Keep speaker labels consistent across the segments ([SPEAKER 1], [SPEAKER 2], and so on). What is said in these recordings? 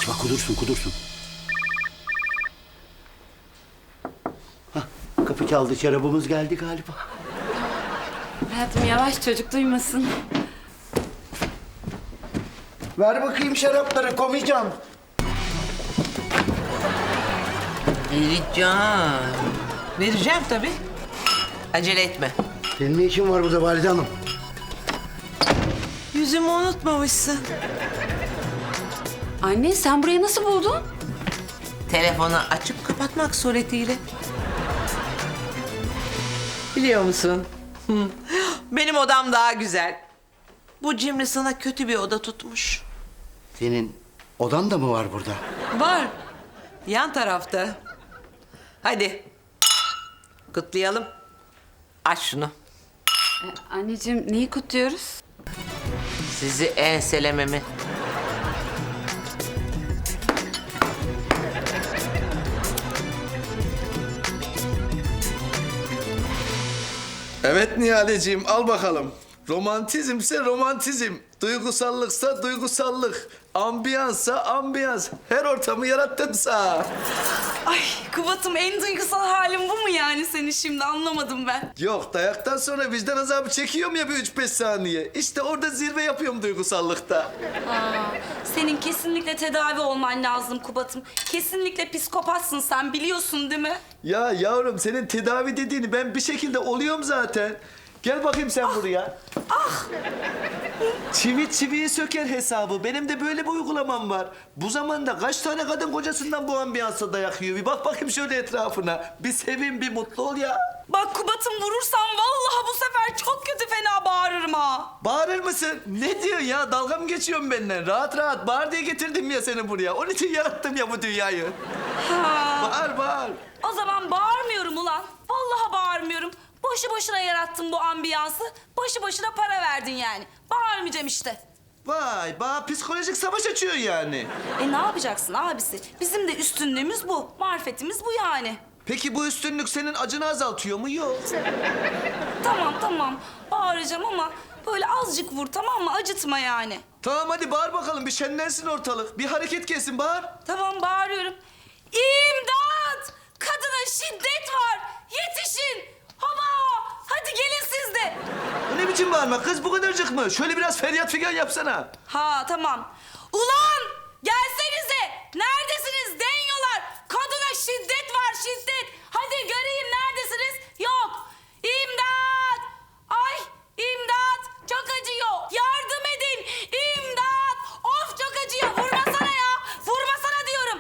[SPEAKER 1] Açma, kudursun. Hah, kapı çaldı, şarabımız geldi galiba.
[SPEAKER 2] Hayatım yavaş, çocuk duymasın.
[SPEAKER 1] Ver bakayım şarapları, komayacağım.
[SPEAKER 3] Vereceğim tabii. Acele etme.
[SPEAKER 1] Senin ne işin var burada Valide Hanım?
[SPEAKER 3] Yüzümü unutmamışsın.
[SPEAKER 2] Anne sen burayı nasıl buldun?
[SPEAKER 3] Telefonu açıp kapatmak suretiyle. Biliyor musun? Benim odam daha güzel. Bu cimri sana kötü bir oda tutmuş.
[SPEAKER 1] Senin odan da mı var burada?
[SPEAKER 3] Var. Yan tarafta. Hadi. Kutlayalım. Aç şunu.
[SPEAKER 2] Anneciğim neyi kutluyoruz?
[SPEAKER 3] Sizi enselememi.
[SPEAKER 4] Evet Nihaleciğim, al bakalım. Romantizmse romantizm, duygusallıksa duygusallık, ambiyansa ambiyans. Her ortamı yarattım sana.
[SPEAKER 5] Ay Kubat'ım en duygusal halin bu mu yani seni şimdi anlamadım ben.
[SPEAKER 4] Yok, dayaktan sonra vicdan azabı çekiyorum ya bir 3-5 saniye. İşte orada zirve yapıyorum duygusallıkta.
[SPEAKER 5] Senin kesinlikle tedavi olman lazım Kubat'ım. Kesinlikle psikopatsın sen biliyorsun değil mi?
[SPEAKER 4] Ya yavrum, senin tedavi dediğini ben bir şekilde oluyorum zaten. Gel bakayım sen buraya. Çivi çiviyi söker hesabı. Benim de böyle bir uygulamam var. Bu zamanda kaç tane kadın kocasından bu ambiyansa dayak yiyor? Bir bak bakayım şöyle etrafına. Bir sevin, bir mutlu ol ya.
[SPEAKER 5] Bak Kubat'ım vurursam vallahi bu sefer çok kötü fena bağırırım ha.
[SPEAKER 4] Bağırır mısın? Ne diyorsun ya? Dalga mı geçiyorsun benden? Rahat rahat bağır diye getirdim ya seni buraya. Onun için yarattım ya bu dünyayı. Bağır, bağır.
[SPEAKER 5] O zaman bağırmıyorum ulan. Vallahi bağırmıyorum. Boşu boşuna yarattın bu ambiyansı. Boşu boşuna para verdin yani. Bağırmayacağım işte.
[SPEAKER 4] Vay, bana psikolojik savaş açıyor yani.
[SPEAKER 5] Ne yapacaksın abisi? Bizim de üstünlüğümüz bu. Marifetimiz bu yani.
[SPEAKER 4] Peki bu üstünlük senin acını azaltıyor mu? Yok.
[SPEAKER 5] Tamam. Bağıracağım ama böyle azıcık vur tamam mı? Acıtma yani.
[SPEAKER 4] Tamam hadi bağır bakalım, bir şenlensin ortalık. Bir hareket kesin, bağır.
[SPEAKER 5] Tamam bağırıyorum. İmdat! Kadına şiddet var. Yetişin. Hava! Hadi gelin siz de.
[SPEAKER 4] Bu ne biçim bağırma kız, bu kadarcık mı? Şöyle biraz feryat figan yapsana.
[SPEAKER 5] Ha tamam. Ulan! Gelsenize. Neredesiniz denyolar? Kadına şiddet var şiddet. Hadi göreyim neredesiniz? Yok. İmdat! Ay imdat! Çok acıyor. Yardım edin. İmdat! Of çok acıyor. Vurmasana ya. Vurmasana diyorum.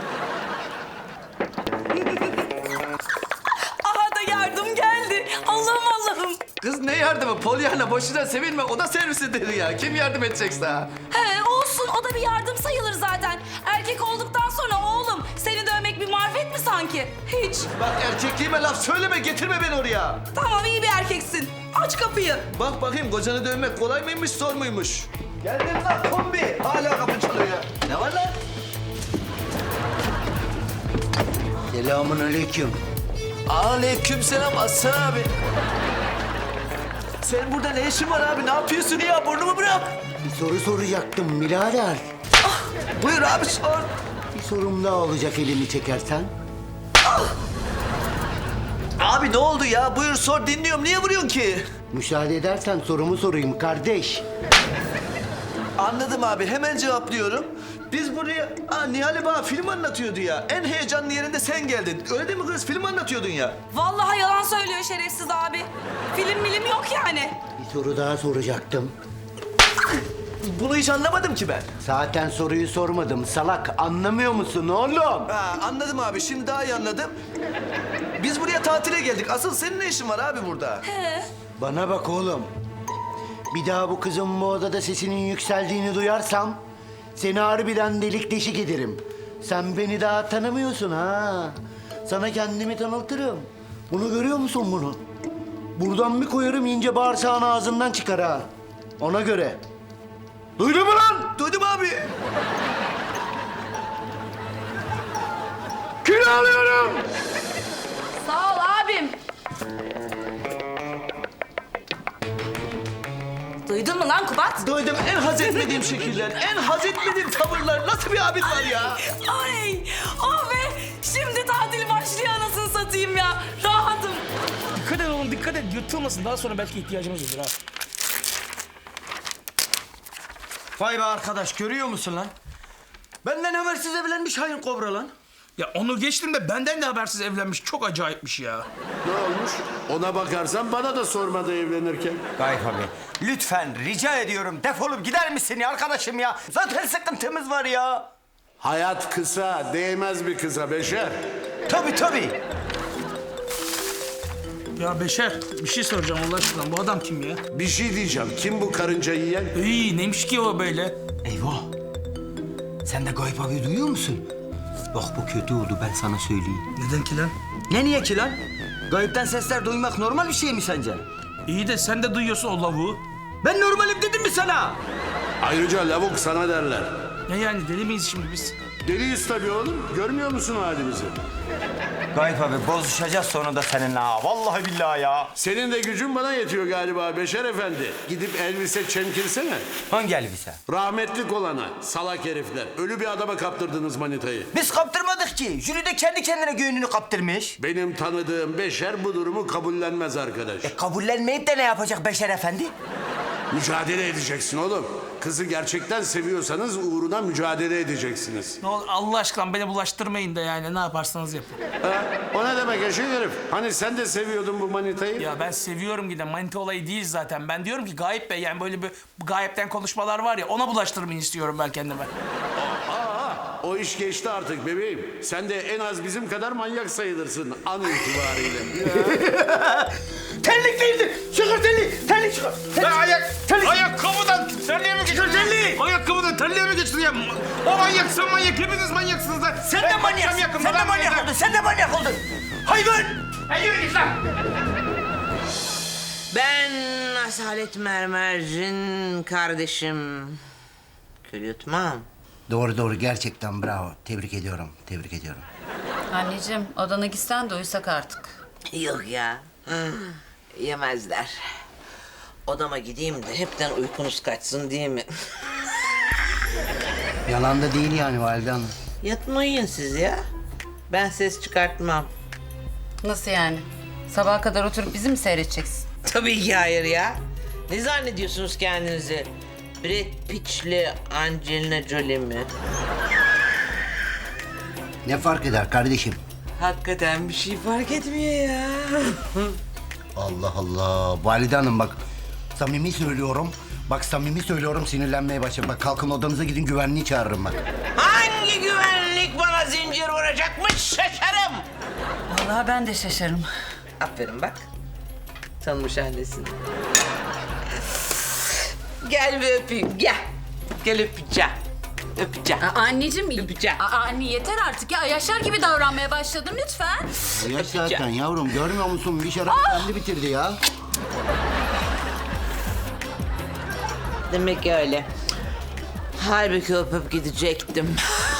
[SPEAKER 5] Aha da yardım geldi. Allah'ım.
[SPEAKER 4] Kız ne yardımı? Polyana boşuna sevinme, o da servisidir ya. Kim yardım edecek sana?
[SPEAKER 5] He olsun o da bir yardım sayılır zaten. Erkek olduktan sonra oğlum seni dövmek bir marifet mi sanki? Hiç.
[SPEAKER 4] Bak erkekliğime laf söyleme, getirme beni oraya.
[SPEAKER 5] Tamam iyi bir erkeksin. Aç kapıyı.
[SPEAKER 4] Bak bakayım, kocanı dövmek kolay mıymış, zor muymuş? Geldim lan kombi. Hala kapı çalıyor ya. Ne var lan?
[SPEAKER 1] Selamun aleyküm.
[SPEAKER 4] Aleykümselam Aslan abi. Sen burada ne işin var abi? Ne yapıyorsun ya? Burnumu bırak.
[SPEAKER 1] Bir soru soracaktım birader.
[SPEAKER 4] Buyur abi, sor.
[SPEAKER 1] Bir sorum daha olacak elini çekersen.
[SPEAKER 4] Abi ne oldu ya? Buyur sor, dinliyorum. Niye vuruyorsun ki?
[SPEAKER 1] Müsaade edersen sorumu sorayım kardeş.
[SPEAKER 4] Anladım abi, hemen cevaplıyorum. Biz buraya... Nihal bana film anlatıyordu ya. En heyecanlı yerinde sen geldin. Öyle değil mi kız? Film anlatıyordun ya.
[SPEAKER 5] Vallahi yalan söylüyor şerefsiz abi. Film yok yani.
[SPEAKER 1] Bir soru daha soracaktım.
[SPEAKER 4] Bunu hiç anlamadım ki ben.
[SPEAKER 1] Zaten soruyu sormadım salak. Anlamıyor musun oğlum?
[SPEAKER 4] Anladım abi, şimdi daha iyi anladım. Biz buraya tatile geldik. Asıl senin ne işin var abi burada?
[SPEAKER 1] Bana bak oğlum. Bir daha bu kızın bu odada sesinin yükseldiğini duyarsam... ...seni harbiden delik deşik ederim. Sen beni daha tanımıyorsun ha. Sana kendimi tanıtırım. Bunu görüyor musun bunu? Buradan bir koyarım ince bağırsağın ağzından çıkar ha. Ona göre. Duydun mu lan?
[SPEAKER 4] Duydum abi.
[SPEAKER 1] Kilo alıyorum.
[SPEAKER 5] Sağ ol abim. Duydun mu lan Kubat?
[SPEAKER 4] Duydum en haz etmediğim şekiller, en haz etmediğim tavırlar. Nasıl bir abin var ya?
[SPEAKER 5] Ay, oh be! Şimdi tatil başlıyor anasını satayım ya. Rahatım.
[SPEAKER 6] Dikkat et oğlum dikkat et yırtılmasın. Daha sonra belki ihtiyacımız olur ha.
[SPEAKER 1] Vay be arkadaş, görüyor musun lan? Benden habersiz evlenmiş hain kobra lan.
[SPEAKER 6] Ya onu geçtim de benden de habersiz evlenmiş. Çok acayipmiş ya.
[SPEAKER 7] Ne olmuş? Ona bakarsan bana da sormadı evlenirken.
[SPEAKER 1] Gayip abi, lütfen rica ediyorum defolup gider misin ya arkadaşım ya? Zaten sıkıntımız var ya.
[SPEAKER 7] Hayat kısa, değmez bir kıza Beşer.
[SPEAKER 1] Tabii.
[SPEAKER 6] Ya Beşer bir şey soracağım Allah aşkına. Bu adam kim ya?
[SPEAKER 7] Bir şey diyeceğim. Kim bu karınca yiyen?
[SPEAKER 6] İyi neymiş ki o böyle?
[SPEAKER 1] Eyvah. Sen de Gayip abi duyuyor musun? Bak bu kötü oldu, ben sana söyleyeyim.
[SPEAKER 6] Neden ki lan?
[SPEAKER 1] Ne niye ki lan? Gayipten sesler duymak normal bir şey mi sence?
[SPEAKER 6] İyi de sen de duyuyorsun o lavuğu.
[SPEAKER 1] Ben normalim dedim mi sana?
[SPEAKER 7] Ayrıca lavuk sana derler.
[SPEAKER 6] Ne yani deli miyiz şimdi biz?
[SPEAKER 7] Deliyiz tabii oğlum. Görmüyor musun halimizi?
[SPEAKER 1] Gayip abi bozuşacağız sonunda seninle ha. Vallahi billahi ya.
[SPEAKER 7] Senin de gücün bana yetiyor galiba Beşer Efendi. Gidip elbise çemkirsene.
[SPEAKER 1] Hangi elbise?
[SPEAKER 7] Rahmetlik olana, salak herifler. Ölü bir adama kaptırdınız manitayı.
[SPEAKER 1] Biz kaptırmadık ki. Jüri de kendi kendine göğününü kaptırmış.
[SPEAKER 7] Benim tanıdığım Beşer bu durumu kabullenmez arkadaş.
[SPEAKER 1] Kabullenmeyip de ne yapacak Beşer Efendi?
[SPEAKER 7] Mücadele edeceksin oğlum. Kızı gerçekten seviyorsanız uğruna mücadele edeceksiniz.
[SPEAKER 6] Ne olur Allah aşkına beni bulaştırmayın da yani ne yaparsanız yapın.
[SPEAKER 7] Ha? O ne demek eşek herif? Hani sen de seviyordun bu manitayı?
[SPEAKER 6] Ya ben seviyorum giden manita olayı değil zaten. Ben diyorum ki Gayip Bey yani böyle bir gayipten konuşmalar var ya ona bulaştırmayın istiyorum ben kendime.
[SPEAKER 7] O iş geçti artık bebeğim. Sen de en az bizim kadar manyak sayılırsın an itibariyle.
[SPEAKER 1] Terlik değildi. Çıkar terliği. Terlik çıkar.
[SPEAKER 6] Ayakkabıdan terliğe mi geçtin? Ayakkabıdan terliğe mi geçtin ya? O manyak sen manyak hepiniz manyaksınız lan.
[SPEAKER 1] Sen de manyaksın. Sen de manyak oldun. Sen de manyak oldun. Hayvan.
[SPEAKER 6] Hayır git lan.
[SPEAKER 3] Ben Asalet Mermer'cin kardeşim. Kül yutmam.
[SPEAKER 1] Doğru gerçekten bravo. Tebrik ediyorum.
[SPEAKER 2] Anneciğim odana gitsen de uyusak artık.
[SPEAKER 3] Yok ya. Yemezler. Odama gideyim de hepten uykunuz kaçsın değil mi?
[SPEAKER 1] Yalan da değil yani valide hanım.
[SPEAKER 3] Yatmayın siz ya. Ben ses çıkartmam.
[SPEAKER 2] Nasıl yani? Sabaha kadar oturup bizi mi seyredeceksin?
[SPEAKER 3] Tabii ki hayır ya. Ne zannediyorsunuz kendinizi? Brad Pitt'li Angelina Jolie mi?
[SPEAKER 1] Ne fark eder kardeşim?
[SPEAKER 3] Hakikaten bir şey fark etmiyor ya.
[SPEAKER 1] Allah Allah. Valide hanım bak. Samimi söylüyorum. Bak samimi söylüyorum sinirlenmeye başladım. Bak kalkın odanıza gidin güvenliği çağırırım bak.
[SPEAKER 3] Hangi güvenlik bana zincir vuracakmış şaşarım.
[SPEAKER 2] Vallahi ben de şaşarım.
[SPEAKER 3] Aferin bak. Tanımış annesini. Gel bir öpeyim gel. Gel öpeceğim. Öpeceğim.
[SPEAKER 2] Anneciğim
[SPEAKER 3] Öpeceğim.
[SPEAKER 2] Anne yeter artık ya. Yaşar gibi davranmaya başladın lütfen.
[SPEAKER 1] Yaş zaten yavrum görmüyor musun? Bir şarap kendi bitirdi ya.
[SPEAKER 3] Demek öyle. Halbuki öpüp gidecektim.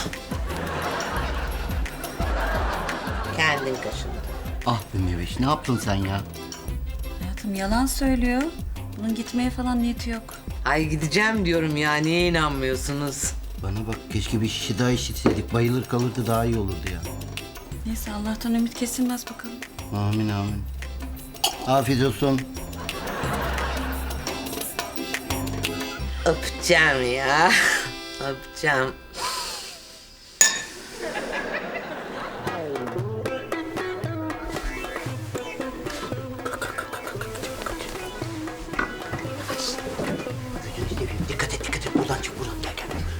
[SPEAKER 3] Kendin kaşındın.
[SPEAKER 1] Ah be Meveş ne yaptın sen ya?
[SPEAKER 2] Hayatım yalan söylüyor. Bunun gitmeye falan niyeti yok.
[SPEAKER 3] Ay gideceğim diyorum ya. Niye inanmıyorsunuz?
[SPEAKER 1] Bana bak keşke bir şişe daha içseydik. Bayılır kalırdı daha iyi olurdu ya.
[SPEAKER 2] Neyse Allah'tan ümit kesilmez bakalım.
[SPEAKER 1] Amin. Afiyet olsun.
[SPEAKER 3] Öpeceğim ya. Öpeceğim.
[SPEAKER 1] Dikkat et. Buradan çık buradan. Gel.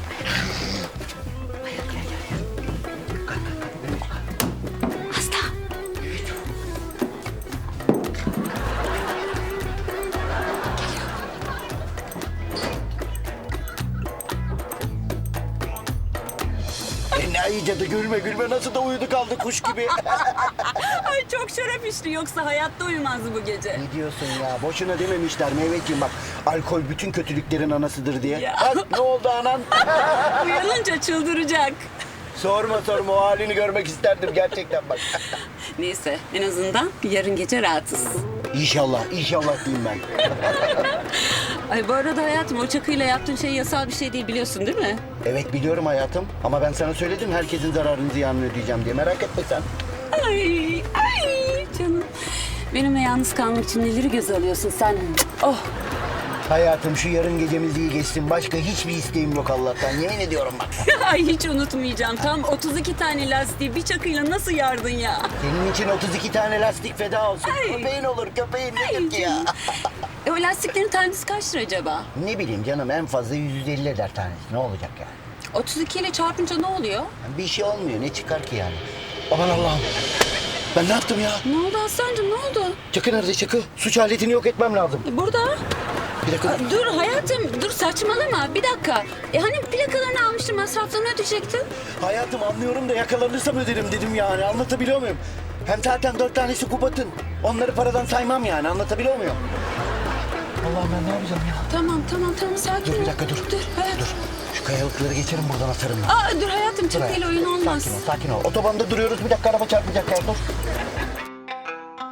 [SPEAKER 1] İyice de gülme nasıl da uyudu kaldı kuş gibi.
[SPEAKER 5] Ay çok şarap içti yoksa hayatta uyumazdı bu gece.
[SPEAKER 1] Ne diyorsun ya? Boşuna dememişler Mehmetciğim bak. Alkol bütün kötülüklerin anasıdır diye.
[SPEAKER 5] Ya.
[SPEAKER 1] Bak ne oldu anan?
[SPEAKER 5] Uyanınca çıldıracak.
[SPEAKER 1] sorma o halini görmek isterdim gerçekten bak.
[SPEAKER 2] Neyse en azından yarın gece rahatız.
[SPEAKER 1] İnşallah diyeyim ben.
[SPEAKER 2] Ay bu arada hayatım o çakıyla yaptığın şey yasal bir şey değil biliyorsun değil mi?
[SPEAKER 1] Evet biliyorum hayatım ama ben sana söyledim herkesin zararını ziyanını ödeyeceğim diye merak etme sen.
[SPEAKER 2] Ay canım. Benimle yalnız kalmak için neleri göze alıyorsun sen? Oh.
[SPEAKER 1] Hayatım şu yarın gecemiz iyi geçsin. Başka hiçbir isteğim yok Allah'tan. Yemin ediyorum bak.
[SPEAKER 2] Ay hiç unutmayacağım. Tam 32 tane lastiği bir çakıyla nasıl yardın ya?
[SPEAKER 1] Senin için 32 tane lastik feda olsun.
[SPEAKER 2] Ay.
[SPEAKER 1] Köpeğin olur köpeğin
[SPEAKER 2] Ay
[SPEAKER 1] nedir ki ya?
[SPEAKER 2] canım. O lastiklerin tanesi kaç lira acaba?
[SPEAKER 1] Ne bileyim canım en fazla 150 eder tanesi. Ne olacak yani?
[SPEAKER 2] 32 ile çarpınca ne oluyor?
[SPEAKER 1] Bir şey olmuyor. Ne çıkar ki yani? Aman Allah'ım. Ben ne yaptım ya?
[SPEAKER 2] Ne oldu Aslancığım ne oldu?
[SPEAKER 1] Çakı nerede Çakı? Suç aletini yok etmem lazım.
[SPEAKER 2] Burada.
[SPEAKER 1] Bir dakika.
[SPEAKER 2] Aa, dur hayatım dur saçmalama bir dakika. Hani plakalarını almıştım masraflarını ödeyecektin.
[SPEAKER 1] Hayatım anlıyorum da yakalanırsam öderim dedim yani. Anlatabiliyor muyum? Hem zaten 4 tanesi Kubat'ın. Onları paradan saymam yani. Anlatabiliyor muyum? Allah'ım ben ne yapacağım ya?
[SPEAKER 2] Tamam sakin ol.
[SPEAKER 1] Dur bir dakika dur.
[SPEAKER 2] Dur hayatım.
[SPEAKER 1] Dur. Şu kayalıkları geçerim buradan atarım ben.
[SPEAKER 2] Aa, dur hayatım çakıyla oyun olmaz.
[SPEAKER 1] Sakin ol, sakin ol. Otobanda duruyoruz. Bir dakika araba çarpacak ya. Dur.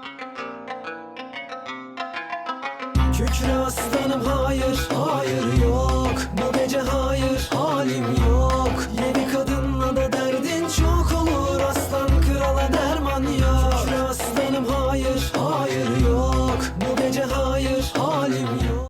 [SPEAKER 8] Kükre aslanım hayır, hayır yok.